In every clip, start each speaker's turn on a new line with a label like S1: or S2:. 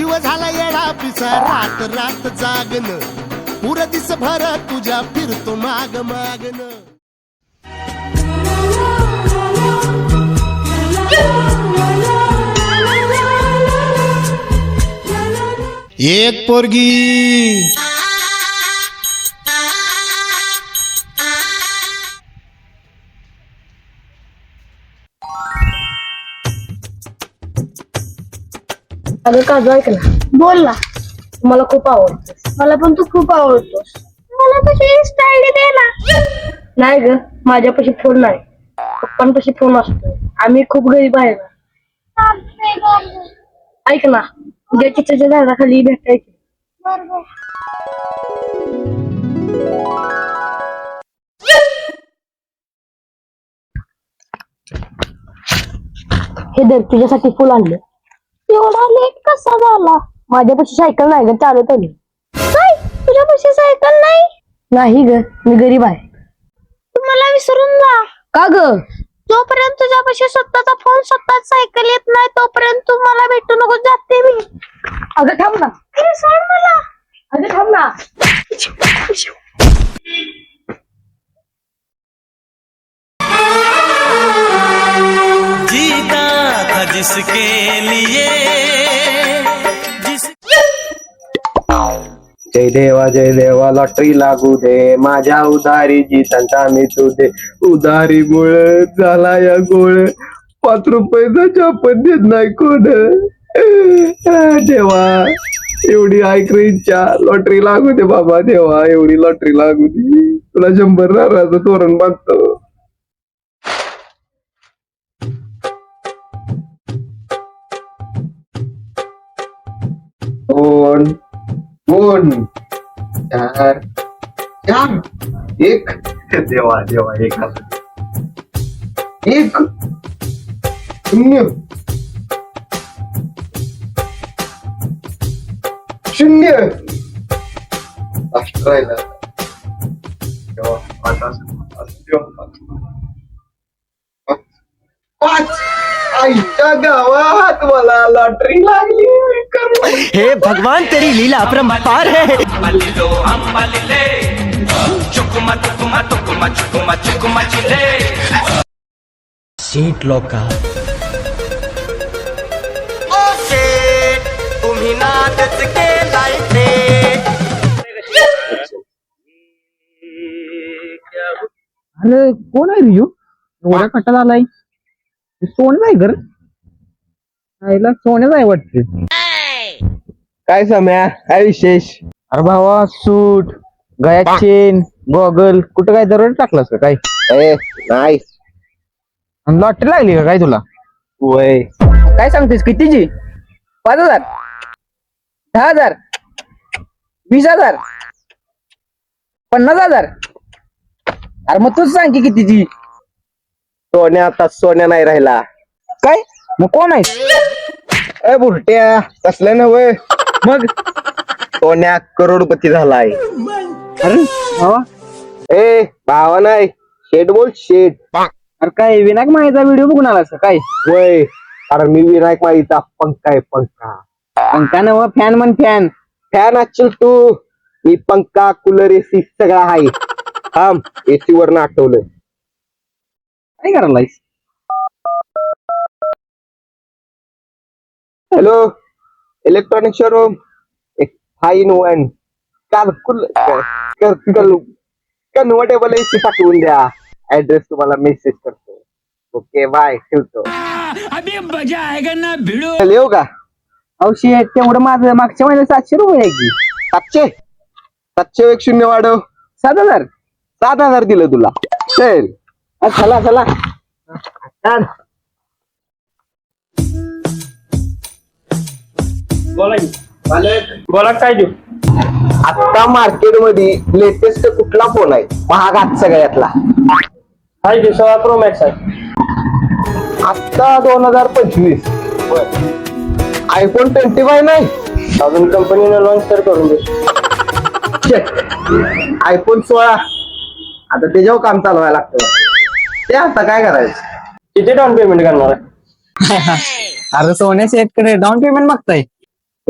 S1: जीव झाला येडा पिसा रात रात जागन पुर दिस भर तुझ्या फिरतो माग मागन. एक पोरगी
S2: अगं काजू ऐक ना. बोल ना. मला खूप आवडतं. मला पण तू खूप आवडतोस. मला तुझी इंस्टा आयडी दे ना. नाही ग, माझ्यापाशी फोन नाही. पप्पांपाशी फोन असतो. आम्ही खूप गरीब आहे ना. ऐक ना, उद्या चिचेच्या झाडाखाली भेटायची. हे दर तुझ्यासाठी फुल आणलं. एवढा लेट कसा झाला? माझ्यापाशी सायकल नाही ग, चालत आली. काय तुझ्यापाशी सायकल नाही? नाही ग, मी गरीब आहे. तू मला विसरून जा. का ग? जोपर्यंत तुझ्यापाशी स्वतःचा फोन स्वतःच सायकल येत नाही तोपर्यंत तू मला भेटू नको, जाते मी. अगं थांब ना. अरे सोड मला. अगं थांब ना.
S3: जीता था जिसके लिए
S4: जय देवा लॉटरी लागू दे माझ्या उधारी जीतांचा मी तुझे उधारी मुळे झाला या गोळ 5 रुपयाचा चपन देत नाही कोण. देवा एवढी ऐक इच्छा लॉटरी लागू दे बाबा. देवा एवढी लॉटरी लागू दे. तुला 100 नारळाचं तोरण बांधतो. दोन 4 1 देवा देवा 1 0 लास्ट राहिला. देवा 5 आईच्या गावात मला लॉटरी लागली.
S3: हे भगवान तेरी लीला अपरंपार है. सीट लोका तुम्ही नाटच केलाय ते.
S5: अरे कोण आहे रिजू? एवढ्या कटाला आलाय. सोनं आहे घर. आईला सोन्याच आहे वाटते.
S4: काय सम्या काय विशेष?
S5: अरे भावा सूट गळ्यात चेन गॉगल कुठं काय दररोज टाकलास का काय?
S4: नाही
S5: लॉटरी लागली का काय तुला?
S4: वय
S5: काय सांगतेस कितीची? 5,000 10,000 20,000 50,000? अरे मग तूच सांग की कितीची?
S4: सोन्या आता सोन्या नाही राहिला.
S5: काय मग कोण आहे?
S4: ए बुरट्या कसलं नव्हे.
S5: मग
S4: सोन्या करोडपती झालाय.
S5: अरे भावा
S4: ए भावा नाही शेठ बोल शेठ.
S5: अरे काय विनायक माहीचा व्हिडिओ बघून आलास का काय?
S4: वय कारण मी विनायक माईचा पंखा आहे पंखा.
S5: पंखा नव फॅन म्हण फॅन.
S4: फॅन असेल तू. मी पंखा कूलर एसी सगळा आहे. थांब एसी वर आठवलं.
S5: काय करायलायस?
S4: Hello electronic showroom. एक 5 in 1 कन्व्हर्टेबल एसी पाठवून द्या. ऍड्रेस तुम्हाला मेसेज करतो. ओके बाय ठेवतो.
S3: अभी मजा आएगा ना भिड़ो.
S4: चल येऊ का?
S5: औषध तेवढं माझं मागच्या महिन्यात 700 रुपये आहे की.
S4: 700 एक 0 वाढव.
S5: 7,000
S4: 7,000 दिलं तुला. चल
S5: चला चला.
S6: बोला काय देऊ?
S4: आता मार्केट मध्ये लेटेस्ट कुठला फोन आहे महागात सगळ्यातला?
S6: हाय की 16 Pro Max आहे.
S4: आता 2025 iPhone 25 नाही
S6: अजून कंपनीने लॉन्च तर करून दे.
S4: iPhone 16 आता त्याच्यावर काम चालवायला लागतं. ते आता काय करायचं?
S6: किती डाऊन पेमेंट करणार आहे?
S5: अरे सोन्या शेतकडे डाऊन पेमेंट मागताय.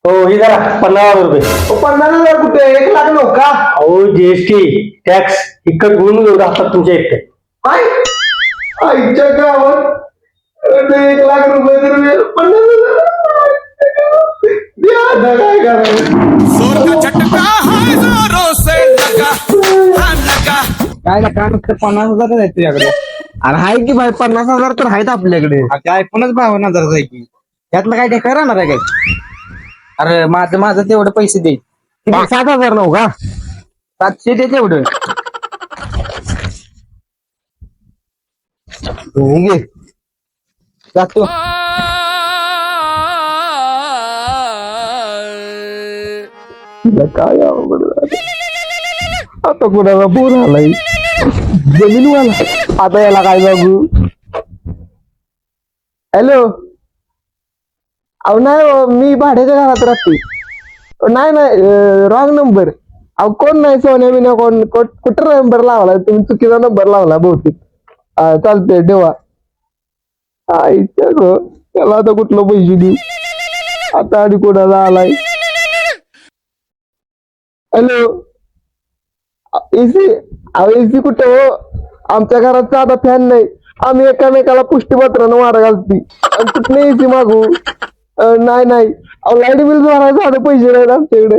S6: हो ही जरा 50,000 रुपये.
S4: 50,000 कुठे 1 लाख नव्हता
S6: अहो जीएसटी टॅक्स इकट गुण एवढं असतात तुमच्या इथे.
S4: काय आईच्या गावात 1 लाख रुपये तर 50,000 द्या, आता काय करायचं
S5: काय का नुसतं 50,000 आहे तुझ्याकडे.
S4: अरे हाय की भाई 50,000 तर आहेत आपल्याकडे.
S5: ते ऐकूनच 52,000 आहे की त्यातलं काय टेका राहणार आहे काय. अरे माझं माझं तेवढं पैसे दे.
S4: 7,000 नव्ह का
S5: 700 दे तेवढं.
S4: घे.
S5: जातो.
S4: तुला काय अवघड झालं. आता कोणाला बोर आलाय जमीनवाला. आता याला काय बघू. हॅलो अहो नाही हो, मी भाड्याच्या घरात राहते. नाही नाही रॉंग नंबर. अहो कोण नाही सोन्या बिना कोण कुठं नंबर लावला तुम्ही चुकीचा नंबर लावला बहुतेक. चालतंय ठेवा. आईच्या गो त्याला आता कुठलं पैसे देऊ. आता आणि कोणाला आलाय. हॅलो एसी अहो एसी कुठे हो. आमच्या घरात साधा फॅन नाही. आम्ही एकामेकाला पुष्टीपत्रानं वाढ घालती आणि कुठले एसी मागू. नाही नाही अहो लाईट बिल भरायला साधे पैसे नाहीत आमच्याकडे.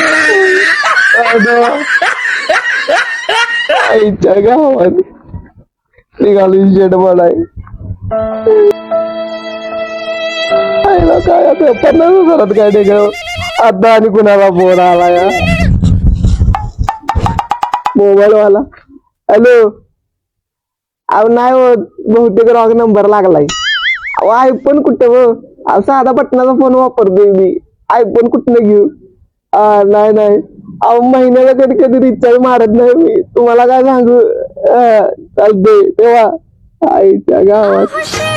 S4: आईच्या गावात निघाली शेड बनाय. काय आता 50,000 काय नाही ग. आता आणि कुणाला फोन आला या मोबाईल वाला. हॅलो अहो नाही हो बहुतेक रॉंग नंबर लागलाय. अहो आयफोन कुठं हो. अहो साधा बटनाचा फोन वापरतोय मी. आयफोन कुठनं घेऊ. नाही नाही अहो महिन्याला कधी कधी रिचार्ज मारत नाही मी. तुम्हाला काय सांगू. चालतंय तेव्हा आईच्या गावात